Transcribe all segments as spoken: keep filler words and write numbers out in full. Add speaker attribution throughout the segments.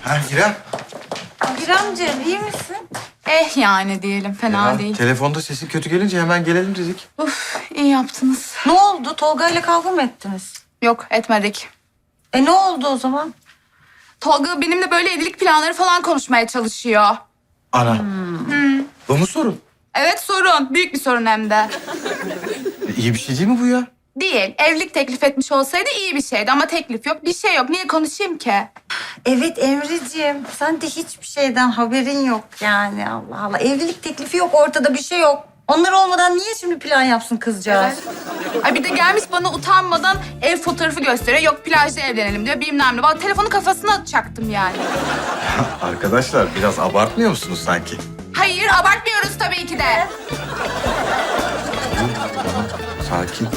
Speaker 1: Ha İrem.
Speaker 2: İremciğim iyi misin?
Speaker 3: Eh yani diyelim, fena
Speaker 1: Ya,
Speaker 3: değil.
Speaker 1: telefonda sesin kötü gelince hemen gelelim dedik.
Speaker 3: Uf, iyi yaptınız.
Speaker 2: Ne oldu? Tolga ile kavga mı ettiniz?
Speaker 3: Yok, etmedik.
Speaker 2: E ne oldu o zaman?
Speaker 3: Tolga benimle böyle evlilik planları falan konuşmaya çalışıyor.
Speaker 1: Ana. Bu mu sorun?
Speaker 3: Evet, sorun. Büyük bir sorun hem de.
Speaker 1: E, İyi bir şey değil mi bu ya?
Speaker 3: Değil. Evlilik teklif etmiş olsaydı iyi bir şeydi ama teklif yok, bir şey yok. Niye konuşayım ki?
Speaker 2: Evet Emre'ciğim, sen de hiçbir şeyden haberin yok yani. Allah Allah. Evlilik teklifi yok, ortada bir şey yok. Onlar olmadan niye şimdi plan yapsın kızcağız?
Speaker 3: Ay bir de gelmiş bana utanmadan ev fotoğrafı gösteriyor. Yok plajda evlenelim diyor, bilmem ne. Vallahi telefonu kafasına atacaktım yani.
Speaker 1: Arkadaşlar biraz abartmıyor musunuz sanki?
Speaker 3: Hayır, abartmıyoruz tabii ki de.
Speaker 1: Sakin.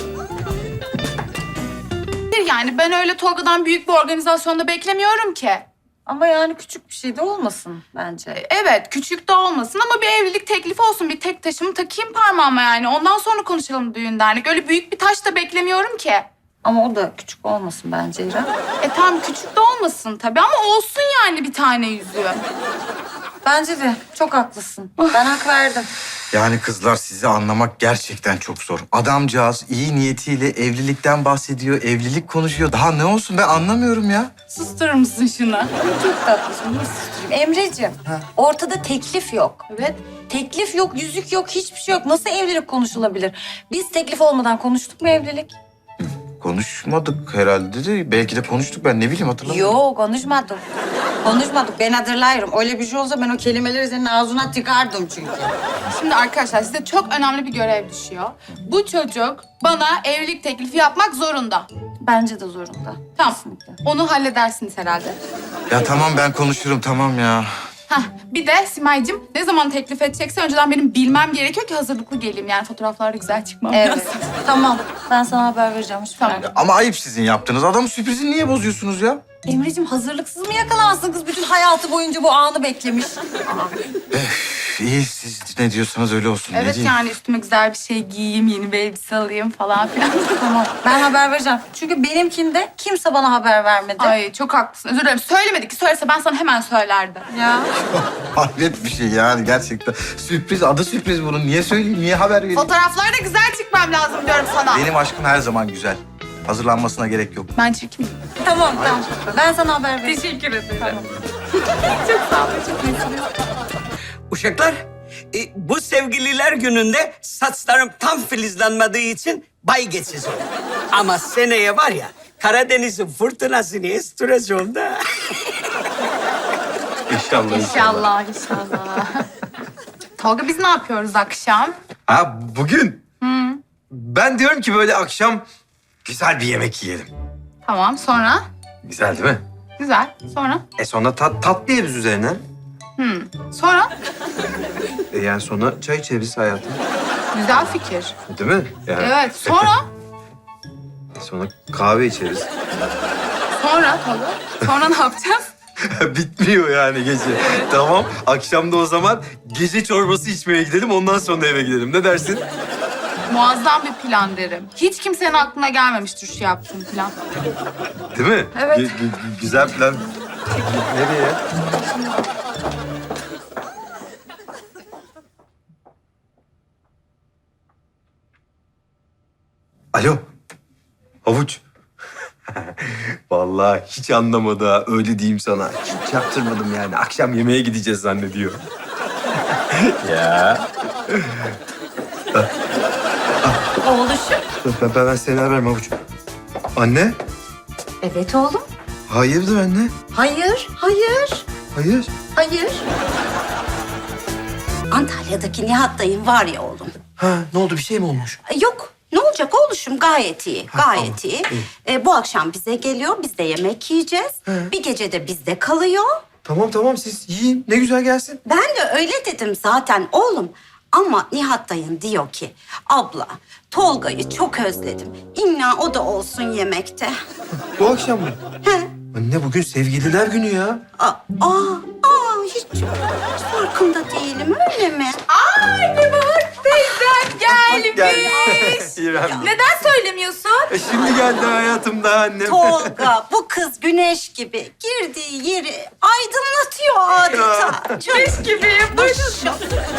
Speaker 3: Yani ben öyle Tolga'dan büyük bir organizasyonda beklemiyorum ki.
Speaker 2: Ama yani küçük bir şey de olmasın bence.
Speaker 3: Evet, küçük de olmasın ama bir evlilik teklifi olsun. Bir tek taşımı takayım parmağıma yani. Ondan sonra konuşalım düğün dernek. Öyle büyük bir taş da beklemiyorum ki.
Speaker 2: Ama o da küçük olmasın bence İrem.
Speaker 3: E tamam, küçük de olmasın tabii ama olsun yani bir tane yüzüğü.
Speaker 2: Bence de çok haklısın. Ben hak verdim.
Speaker 1: Yani kızlar sizi anlamak gerçekten çok zor. Adamcağız iyi niyetiyle evlilikten bahsediyor, evlilik konuşuyor. Daha ne olsun ben anlamıyorum ya.
Speaker 3: Susturur musun şunu?
Speaker 2: Çok tatlısın. Nasıl susturayım? Emreciğim, ortada teklif yok.
Speaker 3: Evet.
Speaker 2: Teklif yok, yüzük yok, hiçbir şey yok. Nasıl evlilik konuşulabilir? Biz teklif olmadan konuştuk mu evlilik?
Speaker 1: Konuşmadık herhalde de. Belki de konuştuk ben ne bileyim hatırlamıyorum.
Speaker 2: Yok, konuşmadık. Konuşmadık. Ben hatırlıyorum. Öyle bir şey olsa ben o kelimeleri senin ağzına tıkardım çünkü.
Speaker 3: Şimdi arkadaşlar size çok önemli bir görev düşüyor. Bu çocuk bana evlilik teklifi yapmak zorunda.
Speaker 2: Bence de zorunda.
Speaker 3: Tamam.
Speaker 2: Kesinlikle.
Speaker 3: Onu halledersiniz herhalde.
Speaker 1: Ya tamam ben konuşurum tamam ya.
Speaker 3: Hah, bir de Simay'cığım ne zaman teklif edecekse önceden benim bilmem gerekiyor ki hazırlıklı geleyim. Yani fotoğraflarda güzel çıkmam
Speaker 2: Evet.
Speaker 3: lazım.
Speaker 2: Tamam. Ben sana haber vereceğim. Hiç
Speaker 3: Tamam.
Speaker 2: merak etme.
Speaker 1: Ama ayıp sizin yaptığınız. Adamın sürprizini niye bozuyorsunuz ya?
Speaker 2: Emreciğim hazırlıksız mı yakalansın kız? Bütün hayatı boyunca bu anı beklemiş.
Speaker 1: İyi siz ne diyorsanız öyle olsun. ne
Speaker 3: Evet
Speaker 1: diyeyim?
Speaker 3: yani üstüme güzel bir şey giyeyim, yeni bir elbise alayım falan filan.
Speaker 2: Tamam. Ben haber vereceğim. Çünkü benimkinde kimse bana haber vermedi.
Speaker 3: Ay çok haklısın. Özür dilerim. Söylemedik ki. Söylese ben sana hemen söylerdim.
Speaker 2: Ya.
Speaker 1: Hayret bir şey yani gerçekten. Sürpriz, adı sürpriz bunun. Niye söyleyeyim, niye haber vereyim?
Speaker 3: Fotoğraflarda güzel çıkmam lazım diyorum sana.
Speaker 1: Benim aşkım her zaman güzel. Hazırlanmasına gerek yok.
Speaker 3: Ben çirkin miyim?
Speaker 2: Tamam tamam. Ben sana haber vereceğim.
Speaker 3: Teşekkür ederim. Çok sağ olun. Çok iyisiniz.
Speaker 4: Uşaklar, e, bu sevgililer gününde saçlarım tam filizlenmediği için bay geçici oldu. Ama seneye var ya, Karadeniz'in fırtınasını estireceğim da.
Speaker 1: İnşallah.
Speaker 3: İnşallah, inşallah. Tolga biz ne yapıyoruz akşam?
Speaker 5: Ha bugün? Ben diyorum ki böyle akşam güzel bir yemek yiyelim.
Speaker 3: Tamam, sonra?
Speaker 5: Güzel değil mi?
Speaker 3: Güzel. Sonra?
Speaker 5: E sonra tat, tatlı yeriz üzerine.
Speaker 3: Sonra?
Speaker 5: E yani sonra çay içeriz hayatım.
Speaker 3: Güzel fikir.
Speaker 5: Değil mi? Yani
Speaker 3: Evet, sonra?
Speaker 5: sonra kahve içeriz.
Speaker 3: Sonra Tolga. Sonra ne yapacağız?
Speaker 5: Bitmiyor yani gece. Tamam. Akşam da o zaman gece çorbası içmeye gidelim. Ondan sonra eve gidelim. Ne dersin?
Speaker 3: Muazzam bir plan derim. Hiç kimsenin aklına gelmemiştir şu yaptığım plan.
Speaker 5: Değil mi?
Speaker 3: Evet.
Speaker 5: Gü- gü- güzel plan. Nereye? Alo. Havuç. Vallahi hiç anlamadı ha. Öyle diyeyim sana. Hiç yaptırmadım yani. Akşam yemeğe gideceğiz zannediyor. ya.
Speaker 2: Oğluşum.
Speaker 5: Ben, ben, ben seni ararım Havuç. Anne?
Speaker 2: Evet oğlum.
Speaker 5: Hayırdır anne?
Speaker 2: Hayır, hayır,
Speaker 5: Hayır.
Speaker 2: hayır. Antalya'daki Nihat dayım var ya oğlum.
Speaker 5: Ha ne oldu? Bir şey mi olmuş?
Speaker 6: E, Yok. Ne olacak oğluşum? Gayet iyi. Gayet iyi. E, bu akşam bize geliyor. Biz de yemek yiyeceğiz. Bir gece de bizde kalıyor.
Speaker 5: Tamam tamam siz yiyin. Ne güzel gelsin.
Speaker 6: Ben de öyle dedim zaten oğlum. Ama Nihat dayın diyor ki... Abla, Tolga'yı çok özledim. İlla o da olsun yemekte.
Speaker 5: Bu akşam mı?
Speaker 6: He.
Speaker 5: Anne bugün sevgililer günü ya.
Speaker 6: Aa, aa, aa hiç, hiç farkında değilim, öyle mi?
Speaker 3: Ay Nebahat teyzem gelmiş.
Speaker 5: İrem.
Speaker 3: Neden söylemiyorsun?
Speaker 5: E şimdi geldi hayatımda annem.
Speaker 6: Tolga, bu kız güneş gibi girdiği yeri aydınlatıyor adeta.
Speaker 3: Güneş gibiyim.
Speaker 6: Maşallah.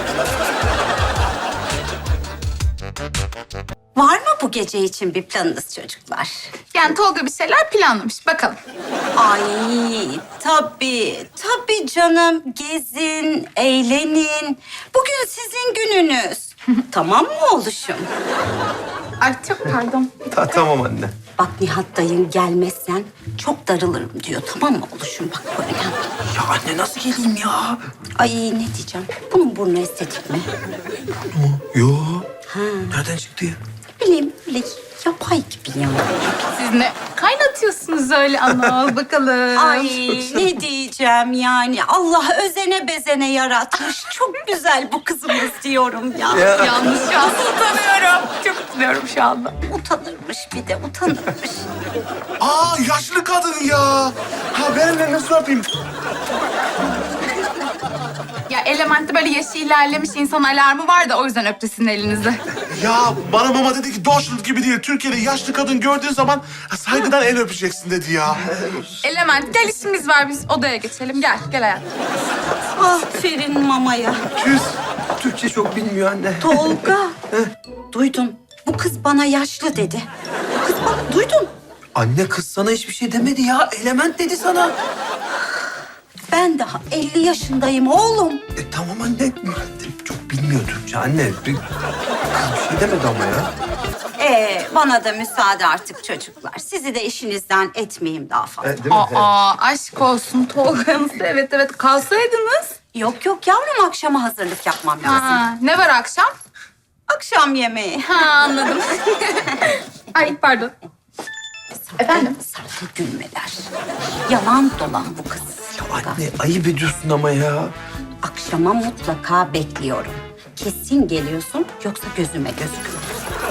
Speaker 6: Var mı bu gece için bir planınız çocuklar?
Speaker 3: Yani Tolga bir şeyler planlamış. Bakalım.
Speaker 6: Ay tabii, tabii canım. Gezin, eğlenin. Bugün sizin gününüz. Tamam mı oğluşum?
Speaker 3: Ay çok pardon.
Speaker 5: Ta- tamam anne.
Speaker 6: Bak Nihat dayın gelmezsen çok darılırım diyor. Tamam mı oğluşum? Bak bu önemli.
Speaker 5: Ya anne nasıl geleyim ya?
Speaker 6: Ay ne diyeceğim? Bunun burnu estetik mi?
Speaker 5: Yo. Nereden çıktı ya?
Speaker 6: Bileyim öyle yapay gibi ya.
Speaker 3: Siz ne kaynatıyorsunuz öyle ana bakalım.
Speaker 6: Ay ne diyeceğim yani. Allah özene bezene yaratmış. Çok güzel bu kızımız diyorum ya.
Speaker 5: Ya.
Speaker 3: Yalnız şu an utanıyorum. Çok utanıyorum şu anda.
Speaker 6: Utanırmış bir de utanırmış.
Speaker 7: Aa yaşlı kadın ya. Ha benimle nasıl yapayım?
Speaker 3: Ya Element'te böyle yaşı ilerlemiş insan alarmı var da o yüzden öptü sizin elinizi.
Speaker 7: Ya bana mama dedi ki Deutschland gibi değil. Türkiye'de yaşlı kadın gördüğün zaman saygıdan el öpeceksin dedi ya.
Speaker 3: Element gel işimiz var biz odaya geçelim. Gel gel hayatım.
Speaker 6: Aferin mamaya.
Speaker 5: Küs. Türkçe çok bilmiyor anne.
Speaker 6: Tolga. Duydun. Bu kız bana yaşlı dedi. Bu kız bana duydun.
Speaker 5: Anne kız sana hiçbir şey demedi ya. Element dedi sana.
Speaker 6: Ben daha elli yaşındayım oğlum.
Speaker 5: E tamam anne. Çok bilmiyor Türkçe anne. Bir, kız bir şey demedi ama ya.
Speaker 6: Ee, bana da müsaade artık çocuklar. Sizi de işinizden etmeyeyim daha fazla.
Speaker 5: E, değil mi?
Speaker 3: Aa aşk olsun Tolga'nız. Evet evet kalsaydınız.
Speaker 6: Yok yok yavrum, akşama hazırlık yapmam lazım.
Speaker 3: Aa, ne var akşam?
Speaker 6: Akşam yemeği.
Speaker 3: Ha anladım. Ay pardon. Efendim?
Speaker 6: Sahte gülmeler. Yalan dolan bu kız.
Speaker 5: Ya anne ayıp ediyorsun ama ya.
Speaker 6: Akşama mutlaka bekliyorum. Kesin geliyorsun yoksa gözüme gözüküyor.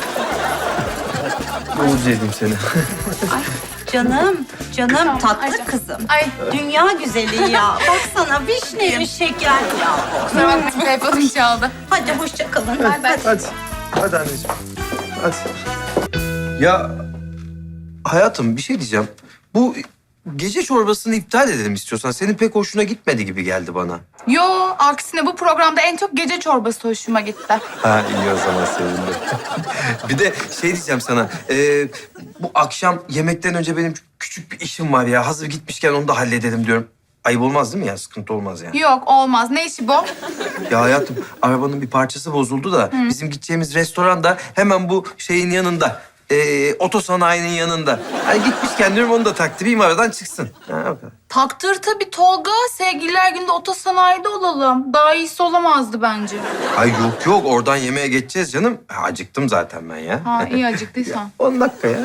Speaker 5: Oğuz yedim seni.
Speaker 6: Ay canım, canım
Speaker 3: Tamam,
Speaker 6: tatlı
Speaker 3: Ayşe.
Speaker 6: kızım.
Speaker 3: Ay
Speaker 6: Dünya güzeli ya. Baksana vişne şeker ya.
Speaker 3: kusura bakmayın telefonum çaldı.
Speaker 6: Hadi hoşça kalın.
Speaker 3: Bay bay.
Speaker 5: Hadi. Hadi anneciğim. Hadi. Ya hayatım bir şey diyeceğim. Bu gece çorbasını iptal edelim istiyorsan. Senin pek hoşuna gitmedi gibi geldi bana.
Speaker 3: Yo aksine bu programda en çok gece çorbası hoşuma gitti.
Speaker 5: Ha iyi o zaman sevindim. Bir de şey diyeceğim sana. e, bu akşam yemekten önce benim küçük bir işim var ya. Hazır gitmişken onu da halledelim diyorum. Ayıp olmaz değil mi ya? Sıkıntı olmaz yani.
Speaker 3: Yok olmaz. Ne işi bu?
Speaker 5: Ya hayatım arabanın bir parçası bozuldu da bizim gideceğimiz restoran da hemen bu şeyin yanında. E, otosanayinin yanında. Hani gitmişken diyorum onu da taktırayım aradan çıksın. Ha, o kadar.
Speaker 3: Taktır tabii Tolga. Sevgililer günde otosanayide olalım. Daha iyisi olamazdı bence.
Speaker 5: Ay yok yok oradan yemeğe geçeceğiz canım. Ha, acıktım zaten ben ya.
Speaker 3: Ha iyi acıktıysan.
Speaker 5: on dakika ya.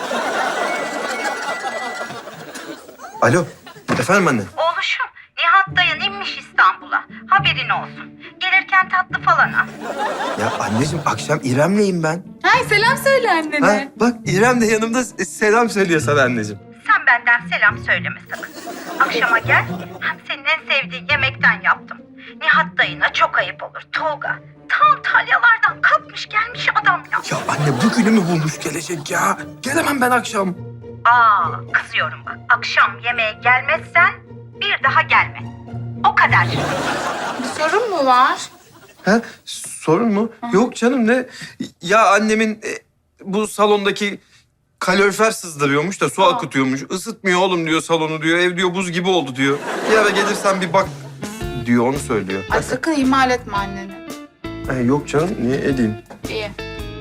Speaker 5: Alo. Efendim anne.
Speaker 6: Oğluşum, Nihat dayın inmiş İstanbul'a. Haberin olsun. Gelirken tatlı falan al.
Speaker 5: Ya anneciğim akşam İrem'leyim ben.
Speaker 3: Hay selam söyle
Speaker 5: Ha,
Speaker 3: annene.
Speaker 5: bak İrem de yanımda selam söylüyor sana anneciğim.
Speaker 8: Sen benden selam söyleme sakın. Akşama gel, hem senin en sevdiğin yemekten yaptım. Nihat dayına çok ayıp olur Tolga. Tam Talyalardan kapmış gelmiş adam ya.
Speaker 5: Ya anne bu günü mü bulmuş gelecek ya? Gelemem ben akşam.
Speaker 8: Aa, kızıyorum bak. Akşam yemeğe gelmezsen bir daha gelme. O kadar.
Speaker 3: Bir sorun mu var?
Speaker 5: Ha, sorun mu? Yok canım ne? Ya annemin e, bu salondaki kalorifer sızdırıyormuş da su akıtıyormuş. Isıtmıyor oğlum diyor salonu diyor. Ev diyor buz gibi oldu diyor. Bir ara gelirsen bir bak diyor onu söylüyor.
Speaker 3: Ay sakın ihmal etme anneni.
Speaker 5: Ha, yok canım niye edeyim?
Speaker 3: İyi.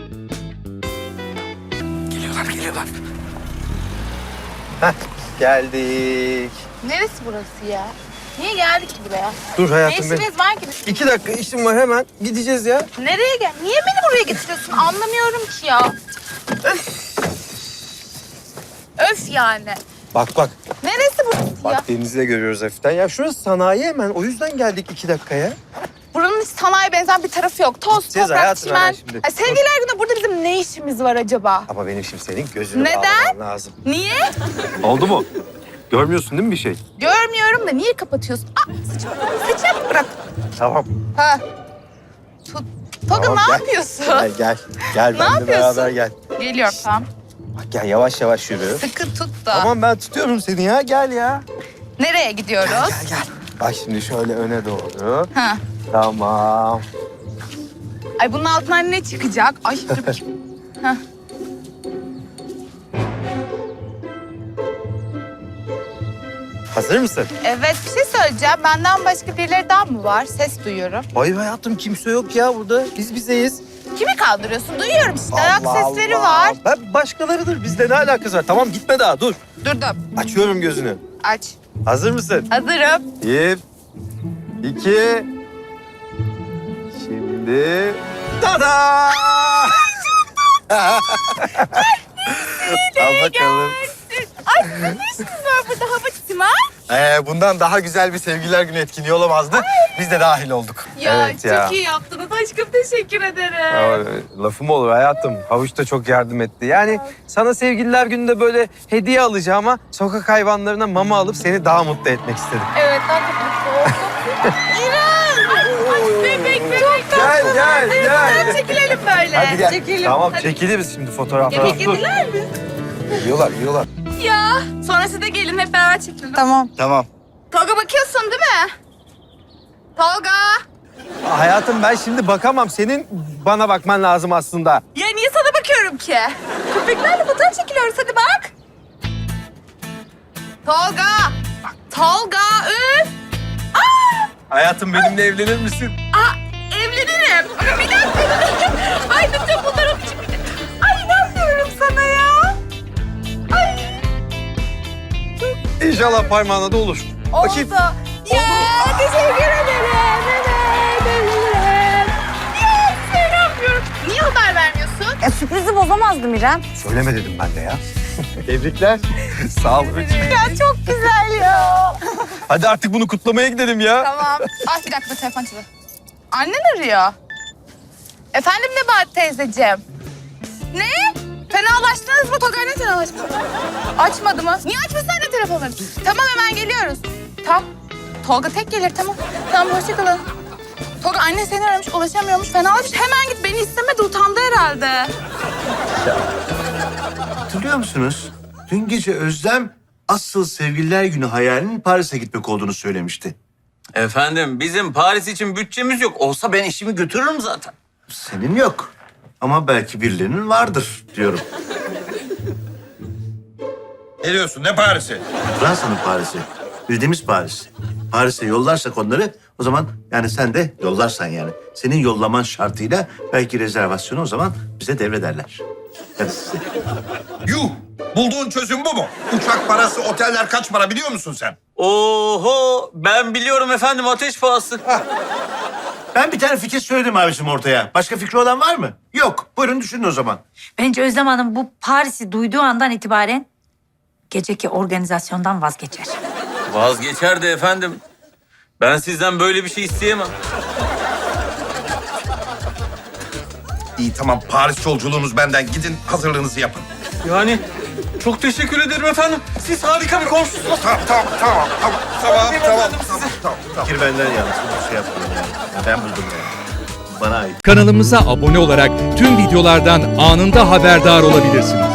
Speaker 5: Geliyorlar geliyorlar. Heh geldik.
Speaker 3: Neresi burası ya? Niye geldik ki buraya?
Speaker 5: Dur
Speaker 3: Ne
Speaker 5: hayatım benim.
Speaker 3: işimiz var ki?
Speaker 5: İki dakika işim var hemen gideceğiz ya.
Speaker 3: Nereye gel? Niye beni buraya getiriyorsun? Anlamıyorum ki ya. Öf. Öf yani.
Speaker 5: Bak bak.
Speaker 3: Neresi burası
Speaker 5: Bak
Speaker 3: ya?
Speaker 5: denizi de görüyoruz hafiften. Ya şurası sanayi hemen. O yüzden geldik iki dakikaya.
Speaker 3: Buranın hiç sanayi benzer bir tarafı yok. Toz,
Speaker 5: Gideceğiz
Speaker 3: toprak,
Speaker 5: hayatım
Speaker 3: çimen.
Speaker 5: hemen şimdi.
Speaker 3: Ay, sevgililer günü burada bizim ne işimiz var acaba?
Speaker 5: Ama benim şimdi senin gözünü
Speaker 3: Neden?
Speaker 5: bağlamam lazım.
Speaker 3: Niye?
Speaker 5: Oldu mu? Görmüyorsun değil mi bir şey?
Speaker 3: Görmüyorum da niye kapatıyorsun? Aa, saçım, saçım bırak.
Speaker 5: Tamam.
Speaker 3: Ha. Tut. Tolga
Speaker 9: Tamam,
Speaker 3: ne
Speaker 9: gel.
Speaker 3: yapıyorsun?
Speaker 9: Gel gel. Gel
Speaker 3: Ne
Speaker 9: benimle
Speaker 3: yapıyorsun?
Speaker 9: beraber gel.
Speaker 3: Geliyorum tamam.
Speaker 9: Bak gel yavaş yavaş yürü.
Speaker 3: Sıkı tut da.
Speaker 9: Tamam ben tutuyorum seni ya gel ya.
Speaker 3: Nereye gidiyoruz?
Speaker 9: Gel gel. Bak şimdi şöyle öne doğru.
Speaker 3: Ha.
Speaker 9: Tamam.
Speaker 3: Ay bunun altından ne çıkacak? Ay dur bakayım. Ha.
Speaker 9: Hazır mısın?
Speaker 3: Evet bir şey söyleyeceğim. Benden başka birileri daha mı var? Ses duyuyorum.
Speaker 9: Hayır hayatım kimse yok ya burada. Biz bizeyiz.
Speaker 3: Kimi kaldırıyorsun? Duyuyorum işte. Ayak
Speaker 9: Allah
Speaker 3: sesleri
Speaker 9: Allah.
Speaker 3: var.
Speaker 9: Ben başkalarıdır. Bizde ne alakası var? Tamam gitme daha dur.
Speaker 3: Durdum.
Speaker 9: Açıyorum gözünü.
Speaker 3: Aç.
Speaker 9: Hazır mısın?
Speaker 3: Hazırım.
Speaker 9: Bir, iki, şimdi... Tada! Al bakalım.
Speaker 3: Ay ne işiniz var burada Havuç'cum ha?
Speaker 1: Ee, bundan daha güzel bir sevgililer günü etkinliği olamazdı. Biz de dahil olduk.
Speaker 3: Ya
Speaker 9: Evet
Speaker 3: çok
Speaker 9: ya.
Speaker 3: iyi yaptınız. Aşkım teşekkür ederim.
Speaker 5: Aa, lafım olur hayatım. Havuç da çok yardım etti. Yani sana sevgililer gününde böyle hediye alacağıma sokak hayvanlarına mama alıp seni daha mutlu etmek istedim.
Speaker 3: Evet ben çok mutlu oldum. İrem! Ay, ay bebek bebek.
Speaker 5: Gel gel
Speaker 3: Hadi
Speaker 5: gel.
Speaker 3: çekilelim böyle.
Speaker 9: Hadi gel.
Speaker 3: Çekelim.
Speaker 5: Tamam
Speaker 3: Hadi.
Speaker 5: çekiliriz şimdi fotoğraflar.
Speaker 3: Yemek yediler mi?
Speaker 9: Yiyorlar, yiyorlar.
Speaker 3: Ya sonra siz de gelin hep beraber çekelim.
Speaker 2: Tamam.
Speaker 9: Tamam.
Speaker 3: Tolga bakıyorsun değil mi? Tolga.
Speaker 5: Hayatım ben şimdi bakamam. Senin bana bakman lazım aslında.
Speaker 3: Ya niye sana bakıyorum ki? Köpeklerle fotoğraf çekiliyoruz hadi bak. Tolga. Tolga üf.
Speaker 5: Hayatım benimle evlenir misin?
Speaker 3: Aa, evlenirim. Ama bir dakika. Ay bütün bunlar onun için. Ay inanmıyorum sana ya. Ay
Speaker 5: İnşallah parmağına da olur. Bakayım.
Speaker 3: oldu. Ya teşekkür ederim. Evet, ederim. Ya size inanmıyorum. Niye haber vermiyorsun?
Speaker 2: E, sürprizi bozamazdım İrem.
Speaker 9: Söyleme dedim ben de ya.
Speaker 5: Tebrikler. Sağ ol.
Speaker 2: Ya çok güzel ya.
Speaker 5: Hadi artık bunu kutlamaya gidelim ya.
Speaker 3: Tamam. Ay bir dakika telefon çalıyor. Annen arıyor. Efendim Nebahat teyzeciğim. Ne? Fenalaştınız mı? Tolga ne fenalaştı? Açmadı mı? Niye açmasın anne telefonları? Tamam hemen geliyoruz. Tamam. Tolga tek gelir tamam. Tamam hoşçakalın. Tolga anne seni aramış ulaşamıyormuş. Fenalaşmış. Hemen git beni istemedi utandı herhalde.
Speaker 10: Hatırlıyor musunuz? Dün gece Özlem asıl sevgililer günü hayalinin Paris'e gitmek olduğunu söylemişti.
Speaker 11: Efendim bizim Paris için bütçemiz yok. Olsa ben işimi götürürüm zaten.
Speaker 10: Senin yok. Ama belki birilerinin vardır diyorum.
Speaker 7: Ne diyorsun? Ne Paris'i?
Speaker 10: Fransa'nın Paris'i. Bildiğimiz Paris. Paris'e yollarsak onları o zaman yani sen de yollarsan yani. Senin yollaman şartıyla belki rezervasyonu o zaman bize devrederler. Hadi size.
Speaker 7: Yuh! Bulduğun çözüm bu mu? Uçak parası, oteller kaç para biliyor musun sen?
Speaker 11: Oho ben biliyorum efendim ateş pahası.
Speaker 10: Ben bir tane fikir söyledim abicim ortaya. Başka fikri olan var mı? Yok. Buyurun düşünün o zaman.
Speaker 2: Bence Özlem Hanım bu Paris'i duyduğu andan itibaren geceki organizasyondan vazgeçer.
Speaker 11: Vazgeçer de efendim. Ben sizden böyle bir şey isteyemem.
Speaker 7: İyi tamam Paris yolculuğunuz benden. Gidin hazırlığınızı yapın.
Speaker 11: Yani çok teşekkür ederim efendim. Siz harika bir komşusunuz.
Speaker 7: Tamam tamam tamam tamam tamam
Speaker 11: Aferin
Speaker 7: tamam
Speaker 11: efendim
Speaker 7: tamam
Speaker 11: size.
Speaker 7: tamam tamam.
Speaker 10: Fikir benden yalnız. Bir şey yapmayın yani. Ya ben buldum yani. Bana ait.
Speaker 12: Kanalımıza abone olarak tüm videolardan anında haberdar olabilirsiniz.